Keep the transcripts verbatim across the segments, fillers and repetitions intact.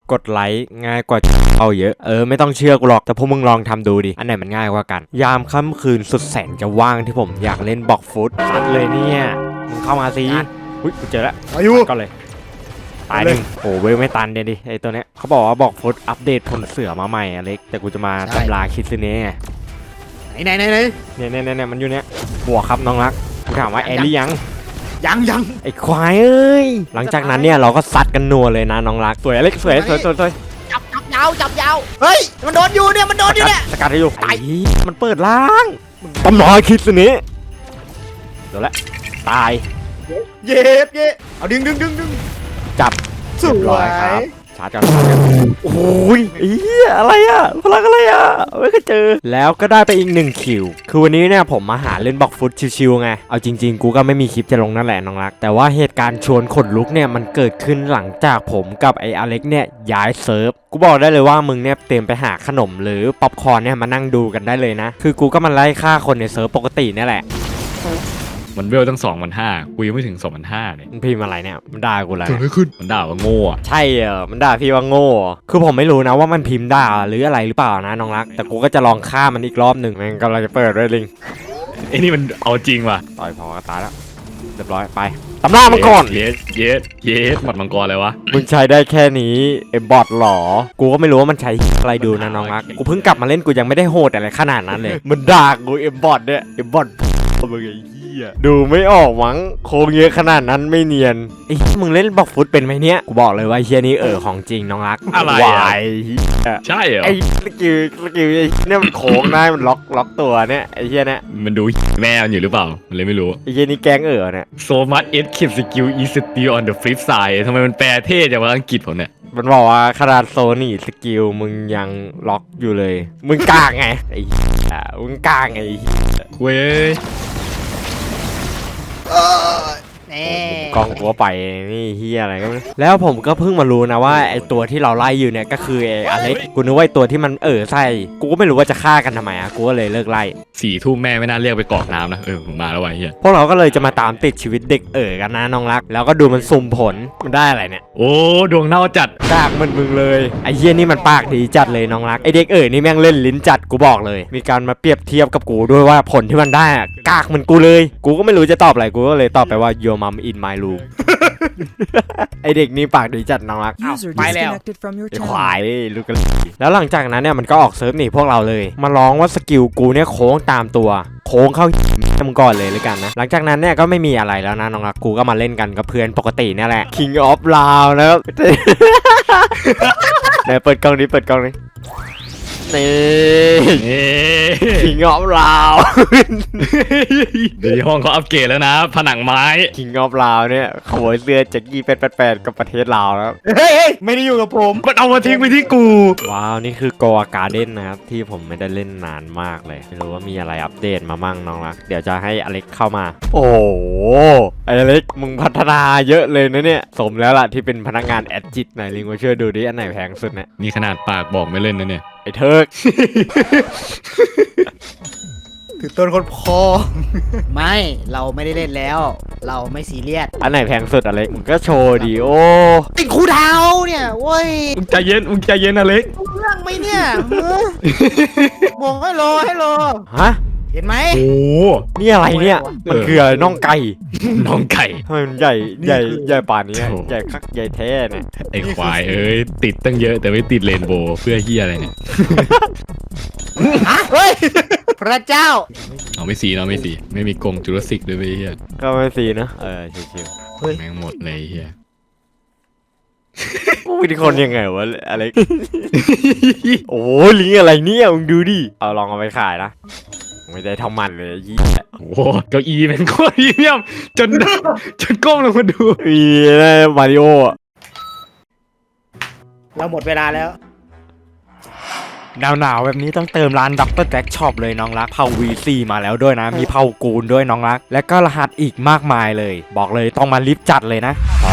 กดไลค์ง่ายกว่าเอาเยอะเออไม่ต้องเชื่อกูหรอกแต่พวกมึงลองทำดูดิอันไหนมันง่ายกว่ากันยามค่ำคืนสุดแสนจะว่างที่ผมอยากเล่นบล็อกฟุตซัดเลยเนี่ยมึงเข้ามาสิอุ้ยกูเจอแล้วอายุก็เลยตายหนึ่งโอ้เว้ยไม่ตันเดี๋ยวดิไอตัวเนี้ยเขาบอกว่าบล็อกฟุตอัปเดตผลเสือมาใหม่อเล็กแต่กูจะมาตำราคิดซึเน่ไหนไหนไหนเนี่ยเนี่ยเนี่ยมันอยู่เนี้ยบวกครับน้องรักกูถามว่าแอลลี่ยังยังยังไอ้ควายเอ้ยหลังจากนั้นเนี่ยเราก็ซัดกันนัวเลยนะน้องรักสวยอเล็กสวยสวยสวยสวยจับจับยาวจับยาวเฮ้ยมันโดนอยู่เนี่ยมันโดนอยู่เนี่ยสกัดให้อยู่ไอ้มันเปิดล่างตำราคิดซึเน่เดี๋ยวละตายเย็บเย็บเอาดึงดึงดึงดึงจับสวยครับชาร์จกันโอ้ยอีอะไรอ่ะพลังอะไรอ่ะไม่เคยเจอแล้วก็ได้ไปอีกหนึ่งคิวคือวันนี้เนี่ยผมมาหาเล่นบล็อกฟุตชิวๆไงเอาจริงๆกูก็ไม่มีคลิปจะลงนั่นแหละน้องรักแต่ว่าเหตุการณ์ชวนขนลุกเนี่ยมันเกิดขึ้นหลังจากผมกับไอ้อเล็กเนี่ยย้ายเซิร์ฟกูบอกได้เลยว่ามึงเนี่ยเตรียมไปหาขนมหรือป๊อปคอร์นเนี่ยมานั่งดูกันได้เลยนะคือกูก็มันไล่ฆ่าคนในเซิร์ฟปกตินี่แหละมันเวลตั้งสองพันห้ากูยังไม่ถึงสองพันห้าเลยมันพิมพ์อะไรเนี่ยมันด่ากูอะไรเกิดอะไรขึ้นมันด่าว่าโง่ใช่เออมันด่าพี่ว่าโง่คือผมไม่รู้นะว่ามันพิมพ์ด่าหรืออะไรหรือเปล่านะน้องรักแต่กูก็จะลองฆ่ามันอีกรอบหนึ่งแม่งกำลังจะเปิดด้วยลิงไอ้นี่มันเอาจริงว่ะต่อยพอตายแล้วเรียบร้อยไปตำหน้ามันก่อนเยสเยสเยสหมัดมังกรอะไรวะมึงใช้ได้แค่นี้ไอ้บอทหรอกูก็ไม่รู้ว่ามันใช้อะไรดูนะน้องรักกูเพิ่งกลับมาเล่นกูยังไม่ได้โหดอะไรขนาดนั้นเลยมันด่ากูไอ้บอทเนี่ยไอ้บอทมึงไอ้ดูไม่ออกมั้งโค้งเยอะขนาดนั้นไม่เนียนไอ้มึงเล่นบล็อกฟุตเป็นไหมเนี่ยกูบอกเลยว่าเฮียนี้เออของจริงน้องรักอะไรวายใช่เหรอไอ้สกิลสกิลไอ้เนี่ยมันโค้งได้มันล็อกล็อกตัวเนี่ยไอ้เฮียเนี่ยมันดูแม่มันอยู่หรือเปล่ามันเลยไม่รู้ไอ้เฮียนี้แกงเออเนี่ย so much it keep skill is still on the flip side ทำไมมันแปลเท่จากภาษาอังกฤษผมเนี่ยมันบอกว่าขนาดโซนี่สกิลมึงยังล็อกอยู่เลยมึงกากไงไอ้มึงกากไงเว้ยกองหัวไปนี่เฮียอะไรก็ไม่แล้วผมก็เพิ่งมารู้นะว่าไอตัวที่เราไล่อยู่เนี่ยก็คือไออเล็กกูนึกว่าตัวที่มันเออใส่กูก็ไม่รู้ว่าจะฆ่ากันทำไมอ่ะกูก็เลยเลิกไล่สี่ทุ่มแม่ไม่น่าเรียกไปกรอกน้ำนะเออมาแล้วไอ้เหี้ยพวกเราก็เลยจะมาตามติดชีวิตเด็กเอ๋อกันนะน้องรักแล้วก็ดูมันสุ่มผลมันได้อะไรเนี่ยโอ้ดวงเน่าจัดกากมันมึงเลยไอเฮียนี่มันปากดีจัดเลยน้องรักไอเด็กเอ๋อนี่แม่งเล่นลิ้นจัดกูบอกเลยมีการมาเปรียบเทียบกับกูด้วยว่าผลที่มันได้กากเหมือนกูเลยกูก็ไม่รู้จะตอบอะไรกูก็เลยตอบไปว่า your mom in my room ไอเด็กนี่ปากดีจัดน้องรักไปแล้วขวายลูกกันแล้วหลังจากนั้นเนี่ยมันก็ออกเซิร์ฟหนีพวกเราเลยมาร้องว่าสกิลกูเนี่ยโค้งตามตัวโค้งเข้ามึงก่อนเลยเลยกันนะหลังจากนั้นเนี่ยก็ไม่มีอะไรแล้วนะน้องรักกูก็มาเล่นกันกับเพื่อนปกตินี่แหละ King of Lao นะครับเดี๋ยวเปิดกล้องนี้เปิดกล้องนี้นี่King of Lao เดี๋ยวห้องเขาอัปเกรดแล้วนะผนังไม้ King of Lao เนี่ยขโมยเสื้อแจ็คกี้แปดแปดแปดกับประเทศลาวแล้วเฮ้ยไม่ได้อยู่กับผมมันเอามาทิ้งไปที่กูว้าวนี่คือโกอาการ์เด้นนะครับที่ผมไม่ได้เล่นนานมากเลยไม่รู้ว่ามีอะไรอัปเดตมามั่งน้องรักเดี๋ยวจะให้อเล็กเข้ามาโอ้โหไอเล็กมึงพัฒนาเยอะเลยนะเนี่ยสมแล้วล่ะที่เป็นพนักงานแอดจิตไหนลิงมาช่วยดูดิอันไหนแพงสุดเนี่ยนี่ขนาดปากบอกไม่เล่นนะเนี่ยไอ้เทิร์กถือต้นคนพอไม่เราไม่ได้เล่นแล้วเราไม่ซีเรียสอันไหนแพงสุดอะไรมึงก็โชว์ดิโอ้ติดคูดาวเนี่ยเว้ยมึงใจเย็นมึงใจเย็นอเล็กเรื่องไหมเนี่ยบอกให้รอให้รอฮะเห็นไหมโอ้นี่อะไรเนี่ยมันคืออะไรน่องไก่น่องไก่ทำไมมันใหญ่ใหญ่ใหญ่ป่านนี้ใหญ่คักใหญ่แท้เนี่ยไอ้ควายเอ้ยติดตั้งเยอะแต่ไม่ติดเรนโบว์เพื่อเฮียอะไรเนี่ยเฮ้ยพระเจ้าเอาไม่สีเนาะไม่สีไม่มีกรงจูราสสิกด้วยเฮียก็ไม่สีนะเออชิวๆแม่งหมดเลยเฮียกูเป็นคนยังไงวะอะไรโอ้ลิงอะไรเนี่ยมึงดูดิเอาลองเอาไปขายนะไม่ได้ทำมันเลยยี่โอ้เก้าอี้เป็นโคตรพรีเมียมจนจนก้มลงมาดูอีมาริโอเราหมดเวลาแล้วหนาวๆแบบนี้ต้องเติมร้านด็อกเตอร์แจ็คช็อปเลยน้องรักเผา วี ซี มาแล้วด้วยนะมีเผากูนด้วยน้องรักและก็รหัสอีกมากมายเลยบอกเลยต้องมาลิฟต์จัดเลยนะขอ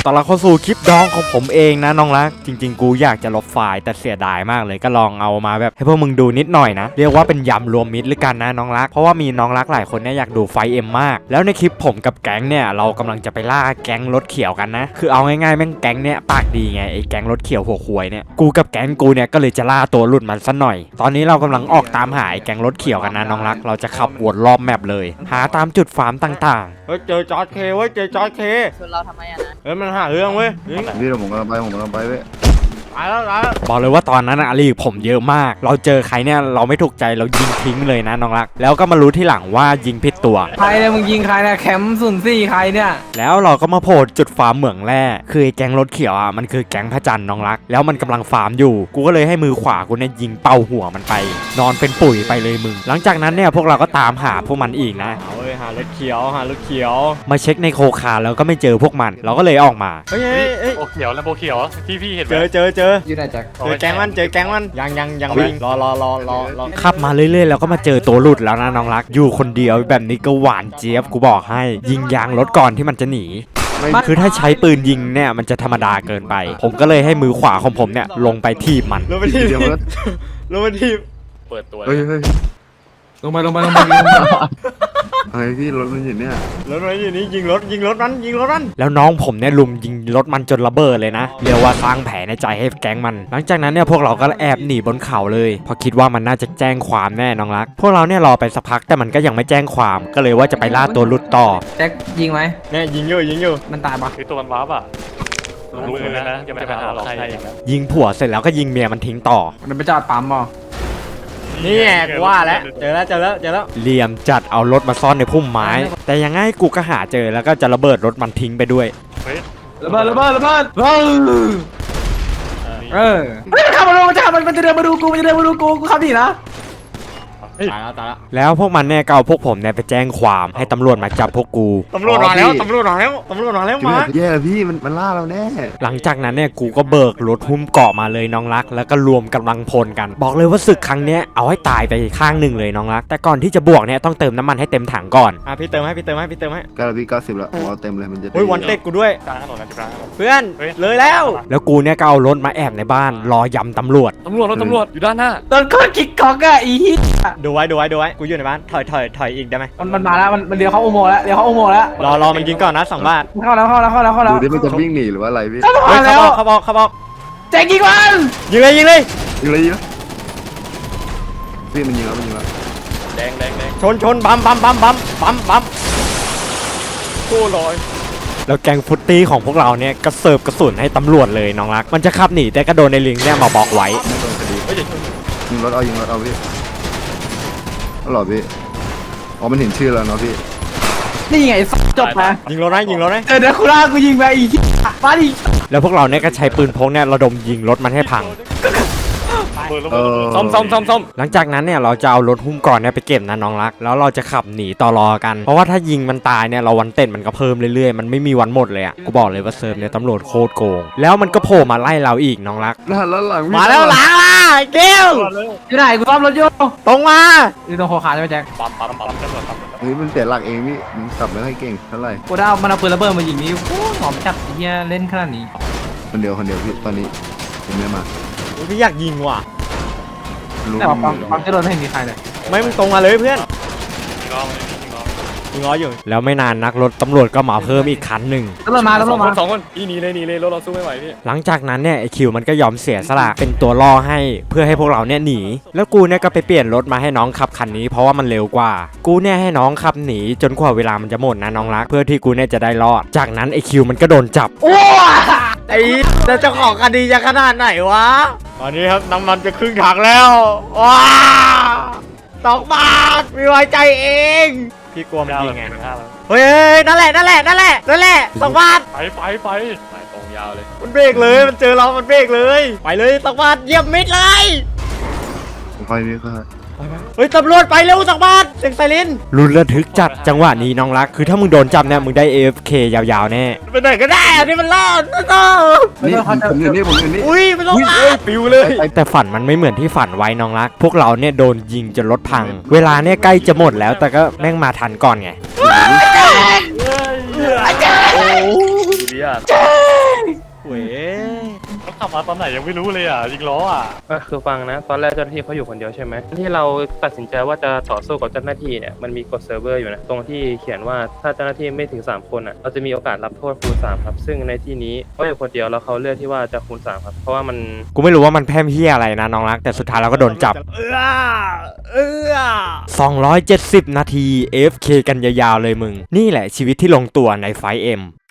ตอนเราเข้าสู่คลิปดองของผมเองนะน้องรักจริงๆกูอยากจะลบไฟล์แต่เสียดายมากเลยก็ลองเอามาแบบให้พวกมึงดูนิดหน่อยนะเรียกว่าเป็นยำรวมมิตรหรือกันนะน้องรักเพราะว่ามีน้องรักหลายคนเนี่ยอยากดูไฟเอ็มมากแล้วในคลิปผมกับแก๊งเนี่ยเรากำลังจะไปล่าแก๊งรถเขียวกันนะคือเอาง่ายๆแม่งแก๊งเนี่ยปากดีไงไอ้แก๊งรถเขียวหัวควยเนี่ยกูกับแก๊งกูเนี่ยก็เลยจะล่าตัวหลุดมันซะหน่อยตอนนี้เรากำลังออกตามหาไอ้แก๊งรถเขียวกันนะน้องรักเราจะขับวนรอบแมปเลยหาตามจุดฟาร์มต่างๆเฮ้ยเจอจอร์จเคเว้ยเจอจอร์จเคชวนเราทำไมอะนะเฮ้ยมันหาเรื่องเว้ยพี่เราผมกำลังไปผมกำลังไปเว้ยตายแล้วตายแล้วบอกเลยว่าตอนนั้นอะลีกผมเยอะมากเราเจอใครเนี่ยเราไม่ถูกใจเรายิงทิ้งเลยนะน้องรักแล้วก็มารู้ที่หลังว่ายิงผิดตัวใครเนี่ยมึงยิงใครเนี่ยแคมป์ศูนย์สี่ใครเนี่ยแล้วเราก็มาโผล่จุดฟาร์มเหมืองแร่คือไอ้แก๊งรถเขียวอ่ะมันคือแก๊งพระจันทร์น้องรักแล้วมันกำลังฟาร์มอยู่กูก็เลยให้มือขวากูเนี่ยยิงเป่าหัวมันไป นอนเป็นปุ๋ยไปเลยมึงหลังจากนั้นเนี่ยพวกเราก็ตามหาพวกมันอีกนะเอาเลยหารถเขียวหารถเขียวมาเช็คในโคคาแล้วก็ไม่เจอพวกมันเราก็เลยออกมาเฮ้ยเฮ้เฮ้ยยโบเขียวแล้วโบเขียวที่พี่เห็นไหเจมอเจอเจออยู่ไหนแจ็คเจอแก๊งมันเจอแก๊งมันยังยังยังวิ่งรอรอรอรอรอขับมาเรื่อยๆแล้วก็มาเจอตัวหลุดแล้วนะน้องรักอยู่คนเดียวแบบนี้ก็หวานเจี๊ยบกูบอกให้ยิงยางรถก่อนที่มันจะหนีคือถ้าใช้ปืนยิงเนี่ยมันจะธรรมดาเกินไป ผมก็เลยให้มือขวาของผมเนี่ยลงไปทีบมันลงไปทีบเดี๋ยวมันลงไปทีบเปิดตัวเฮ้ยเฮ้ยลงไปลงไปลงไปลงไปเฮ้ยพี่รถมันอยู่เนี่ยรถมันอยู่นี่ยิงรถยิงรถมันยิงรถมันแล้วน้องผมเนี่ยลุมยิงรถมันจนระเบิดเลยนะเรียกว่าสร้างแผลในใจให้แก๊งมัน หลังจากนั้นเนี่ยพวกเราก็แอบหนีบนเขาเลยเพราะคิดว่ามันน่าจะแจ้งความแน่น้องรักพวกเราเนี่ยรอไปสักพักแต่มันก็ยังไม่แจ้งความก็เลยว่าจะไปล่าตัวหลุดต่อแจ็คยิงไหมเนี่ยยิงอยู่ยิงอยู่มันตายปะคือตัวมันวาร์ปอ่ะรู้เลยนะจะไปหาเราใครอีกนะยิงผัวเสร็จแล้วก็ยิงเมียมันทิ้งต่อมันไปจอดปั๊มบ่นี่แกว่าแล้วเจอแล้วเจอแล้วเจอแล้วเหลี่ยมจัดเอารถมาซ่อนในพุ่มไม้ แต่ยังไงกูก็หาเจอแล้วก็จะระเบิดรถมันทิ้งไปด้วยระเบิดระเบิดระเบิดเออเออเฮ้ยมันขับมาดูมันจะมันมันจะเดินมาดูกูมันจะเดินมาดูกูกูขับดีนะตายแล้วตายแล้วแล้วพวกมันเนี่ยก็เอาพวกผมเนี่ยไปแจ้งความให้ตำรวจมาจับพวกกูตำรวจมาแล้วตำรวจมาแล้วตำรวจมาแล้วจะไม่แย่พี่มันมันล่าเราแน่หลังจากนั้นเนี่ยกูก็เบิกรถหุ้มเกาะมาเลยน้องรักแล้วก็รวมกำลังพลกัน บอกเลยว่าศึกครั้งเนี้ยเอาให้ตายไปข้างหนึ่งเลยน้องรักแต่ก่อนที่จะบวกเนี่ยต้องเติมน้ำมันให้เต็มถังก่อนอ่ะพี่เติมให้พี่เติมให้พี่เติมให้เก้าพี่เก้าสิบแล้วผมเอาเต็มเลยมันจะเฮ้ยวันเต็กกูด้วยกลางถนนนะจุฬาเพื่อนเลยแล้ว แล้วกูเนี่ยก็เอารถมาแอบในบ้านรอยำตำรวจตำรวจรถตำรวจอยู่ด้านหน้าโดนคนคิกก๊อกอะอีฮิตดูไว้ดูไว้ดูไว้กูอยู่ในบ้านถอยถอยถอยอีกได้ไหมมันมันมาแล้วมันมันเลี้ยวเข้าอุโมงค์แล้วเลี้ยวเข้าอุโมงค์แล้วรอรอมันยิงก่อนนะสองบาทเข้าแล้วเข้าแล้วเข้าแล้วเข้าแล้วดูดิมันจะวิ่งหนีหรือว่าอะไรพี่เข้าเฮ้ยแล้เขาวบอกเขาบอกเขาบอกแจ็คยิงมันยิงเลยยิงเลยยิงเลยยิงเลยพี่มันยิงแล้วมันยิงแล้วแดงแดงแดงชนชนบัมบัมบัมบัมบัมบัมโค้ลอยแล้วแกงฟุตตี้ของพวกเราเนี่ยก็เสิร์ฟกระสุนให้ตำรวจเลยน้องรัก มันจะขับหนีแต่ก็โดนในลิงเนี่ยมาบอกไว้ไม่โดนคดียิงรถเอายิงรถเอาพี่เอาหรอพี่อ๋อมันเห็นชื่อแล้วเนาะพี่นี่ไงสัจบนะยิงรถนะยิงรถนะเจอเดคูล่ากูยิงไปอีกมาดิแล้วพวกเราเนี่ยก็ใช้ปืนพกเนี่ยระดมยิงรถมันให้พังเออซ่อมซ่อมซ่อมซ่อมหลังจากนั้นเนี่ยเราจะเอารถหุ้มก่อนเนี่ยไปเก็บนะน้องรัก แล้วเราจะขับหนีต่อรอกัน เพราะว่าถ้ายิงมันตายเนี่ยเราวันเต้นมันก็เพิ่มเรื่อยๆ มันไม่มีวันหมดเลยอ่ะ กูบอกเลยว่าเซิร์ฟเนี่ยตำรวจโคตรโกง แล้วมันก็โผล่มาไล่เราอีกน้องรักหน้าแล้วหลังมาแล้วหลังอ่ะเกลอยู่ไหนกูซ่อมรถอยู่ตรงมาอยู่ตรงโคคาใช่ไหมแจ็คปั๊มปั๊มปั๊มตำรวจปั๊มเฮ้ยมันเสียหลักเองพี่มันขับไม่ค่อยเก่งเท่าไหร่กูได้เอามันเอาปืนระเบิดมายิงนี่โอ้หอมจับไอ้เหี้ยเล่นขนาดนี้คนเดียวคนเดียวพี่ตอนนี้ผมไม่มาพี่อยากยิงว่ะรู้แต่ว่าปั๊มปั๊มจะโดนไม่เห็นมีใครเลยไม่มึงตรงมาเลยเพื่อนยิงล้อมันยิงล้อยิงล้ออยู่ แล้วไม่นานนักรถตำรวจก็มาเพิ่มอีกคันหนึ่งตำรวจมาสตำรอวงจคมานสองคนอีหนีเลยหนีเลยรถเราสู้ไม่ไหวพี่หลังจากนั้นเนี่ยไอคิวมันก็ยอมเสียสละเป็นตัวล่อให้เพื่อให้พวกเราเนี่ยหนี แล้วกูเนี่ยก็ไปเปลี่ยนรถมาให้น้องขับคันนี้เพราะว่ามันเร็วกว่า กูเนี่ยให้น้องขับหนีจนกว่าเวลามันจะหมดนะน้องรัก เพื่อที่กูเนี่ยจะได้รอด จากนั้นไอคิวมันก็โดนจับโอ้ไอ้จะเจ้าของคดีจะขนาดไหนวะ ตอนนี้ครับน้ำมันจะครึ่งถังแล้วว้าสองบาทไม่ไว้ใจเองพี่กลัวมันยิงไงเฮ้ยนั่นแหละนั่นแหละนั่นแหละนั่นแหละสองบาทไปไปไปไปตรงยาวเลยมันเบรกเลยมันเจอเรา มันเบรกเลย ไปเลยสองบาทเยี่ยมมิดเลยผมค่อยพี่ค่อยเฮ้ยตำรวจไปเร็วสองบาทเสียงไซเรนรุนระทึกจัดจังหวะนี้น้องรัก คือถ้ามึงโดนจับเนี่ยมึงได้ เอ เอฟ เค ยาวๆแน่ไปไหนก็ได้อันนี้มันรอดนะนี่ผมอยู่นี่ผมอยู่นี่อุ้ยมันลงมาปิวเลย แต่ฝันมันไม่เหมือนที่ฝันไว้น้องรัก พวกเราเนี่ยโดนยิงจนรถพัง เวลาเนี่ยใกล้จะหมดแล้วแต่ก็แม่งมาทันก่อนไงโอ้ดีอ่ะขับมาตอนไหนยังไม่รู้เลยอ่ะยิงล้ออ่ะก็คือฟังนะ ตอนแรกเจ้าหน้าที่เขาอยู่คนเดียวใช่ไหมที่เราตัดสินใจว่าจะต่อสู้กับเจ้าหน้าที่เนี่ยมันมีกฎเซิร์ฟเวอร์อยู่นะตรงที่เขียนว่าถ้าเจ้าหน้าที่ไม่ถึงสามคนอ่ะเราจะมีโอกาสรับโทษคูณสามครับซึ่งในที่นี้เขาอยู่คนเดียวแล้วเขาเลือกที่ว่าจะคูณสามครับเพราะว่ามันกูไม่รู้ว่ามันแพร่มเฮียอะไรนะน้องรักแต่สุดท้ายเราก็โดนจับเออเออสองร้อยเจ็ดสิบนาที เอ เอฟ เค กันยาวๆเลยมึง นี่แหละชีวิตที่ลงตัวในไฟเอ็ม